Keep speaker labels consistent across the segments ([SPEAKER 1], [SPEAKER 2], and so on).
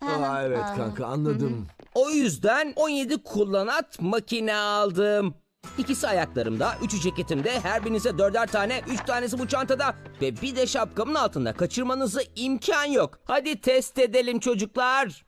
[SPEAKER 1] Aa, evet kanka anladım.
[SPEAKER 2] O yüzden 17 kullanat makine aldım. İkisi ayaklarımda, üçü ceketimde, her birinize dörder tane, 3 tanesi bu çantada ve bir de şapkamın altında. Kaçırmanıza imkan yok. Hadi test edelim çocuklar.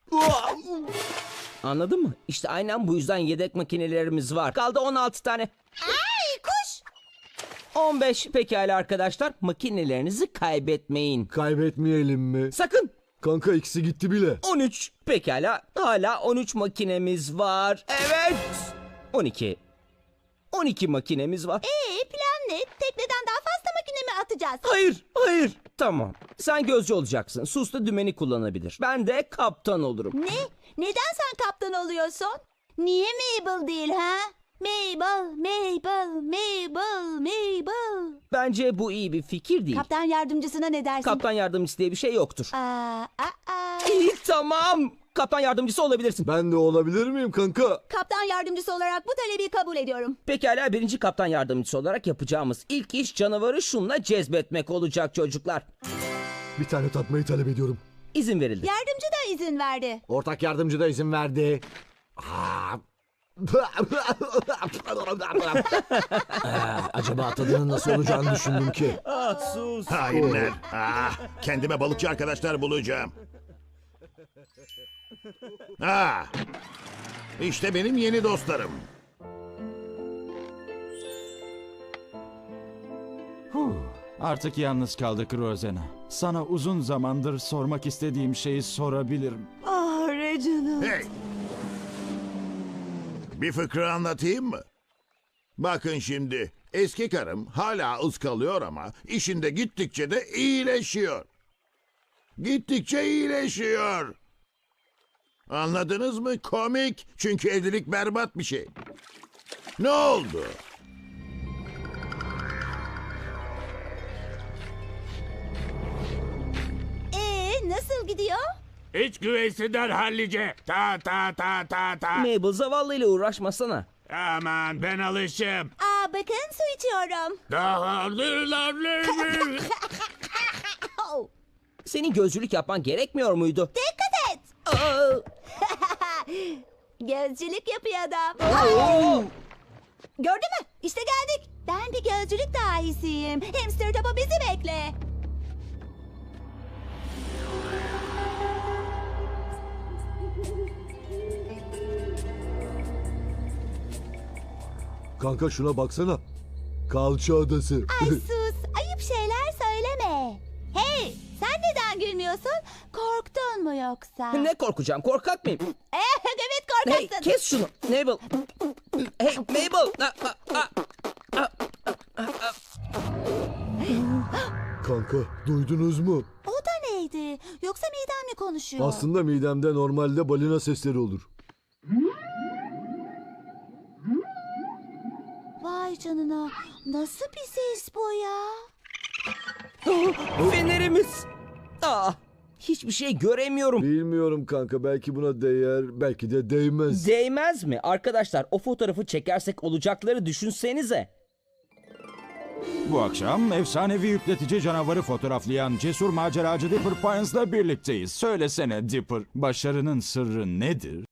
[SPEAKER 2] Anladın mı? İşte aynen bu yüzden yedek makinelerimiz var. Kaldı 16 tane.
[SPEAKER 3] Ay kuş.
[SPEAKER 2] 15 pekala arkadaşlar. Makinelerinizi kaybetmeyin.
[SPEAKER 1] Kaybetmeyelim mi?
[SPEAKER 2] Sakın.
[SPEAKER 1] Kanka ikisi gitti bile.
[SPEAKER 2] 13 pekala. Hala 13 makinemiz var. Evet. 12. 12 makinemiz var.
[SPEAKER 3] Plan ne? Tekneden daha fazla makine mi atacağız?
[SPEAKER 2] Hayır, hayır. Tamam. Sen gözcü olacaksın. Sus da dümeni kullanabilir. Ben de kaptan olurum.
[SPEAKER 3] Ne? Neden sen kaptan oluyorsun? Niye Mabel değil ha? Mabel, Mabel, Mabel, Mabel.
[SPEAKER 2] Bence bu iyi bir fikir değil.
[SPEAKER 3] Kaptan yardımcısına ne dersin?
[SPEAKER 2] Kaptan yardımcısı diye bir şey yoktur.
[SPEAKER 3] Aa.
[SPEAKER 2] İyi, tamam. Kaptan yardımcısı olabilirsin.
[SPEAKER 1] Ben de olabilir miyim kanka?
[SPEAKER 3] Kaptan yardımcısı olarak bu talebi kabul ediyorum.
[SPEAKER 2] Pekala, birinci kaptan yardımcısı olarak yapacağımız ilk iş canavarı şunla cezbetmek olacak çocuklar.
[SPEAKER 1] Bir tane tatmayı talep ediyorum.
[SPEAKER 2] İzin verildi.
[SPEAKER 3] Yardımcı da izin verdi.
[SPEAKER 1] Ortak yardımcı da izin verdi. Acaba tadının nasıl olacağını düşündüm ki.
[SPEAKER 2] Sus.
[SPEAKER 4] Hainler. Kendime balıkçı arkadaşlar bulacağım. İşte benim yeni dostlarım.
[SPEAKER 5] Artık yalnız kaldık Rosanna. Sana uzun zamandır sormak istediğim şeyi sorabilirim.
[SPEAKER 3] Ah Reginald.
[SPEAKER 4] Hey! Bir fıkra anlatayım mı? Bakın şimdi, eski karım hala ıskalıyor ama işinde gittikçe de iyileşiyor. Gittikçe iyileşiyor. Anladınız mı? Komik. Çünkü evlilik berbat bir şey. Ne oldu?
[SPEAKER 3] Nasıl gidiyor?
[SPEAKER 6] İç güveysinden hallice. Ta ta ta ta ta.
[SPEAKER 2] Mabel, zavallıyla uğraşmasana.
[SPEAKER 6] Aman ben alışım.
[SPEAKER 3] Bakın su içiyorum.
[SPEAKER 6] Daha
[SPEAKER 3] Oh,
[SPEAKER 2] Senin gözcülük yapman gerekmiyor muydu?
[SPEAKER 3] dikkat et.
[SPEAKER 2] Aa!
[SPEAKER 3] Gözcülük yapıyor adam. Gördün mü? İşte geldik. Ben bir gözcülük dahisiyim. Hamster topu bizi bekle.
[SPEAKER 1] Kanka şuna baksana. Kalça adası.
[SPEAKER 3] Ay sus. Ayıp şeyler söyleme. Hey, sen neden gülmüyorsun? Korktun mu yoksa?
[SPEAKER 2] Ne korkacağım? Korkak mıyım?
[SPEAKER 3] Evet
[SPEAKER 2] Hey,
[SPEAKER 3] korkaksın.
[SPEAKER 2] kes şunu. Mabel. Hey, Mabel.
[SPEAKER 1] Kanka duydunuz mu?
[SPEAKER 3] O da neydi? Yoksa midem mi konuşuyor?
[SPEAKER 1] Aslında midemde normalde balina sesleri olur.
[SPEAKER 3] Vay canına. Nasıl bir ses bu ya?
[SPEAKER 2] Fenerimiz. Hiçbir şey göremiyorum.
[SPEAKER 1] Bilmiyorum kanka, belki buna değer, belki de değmez.
[SPEAKER 2] Değmez mi? Arkadaşlar, o fotoğrafı çekersek olacakları düşünsenize.
[SPEAKER 5] Bu akşam efsanevi yükletici canavarı fotoğraflayan cesur maceracı Dipper Pines'la birlikteyiz. Söylesene Dipper, başarının sırrı nedir?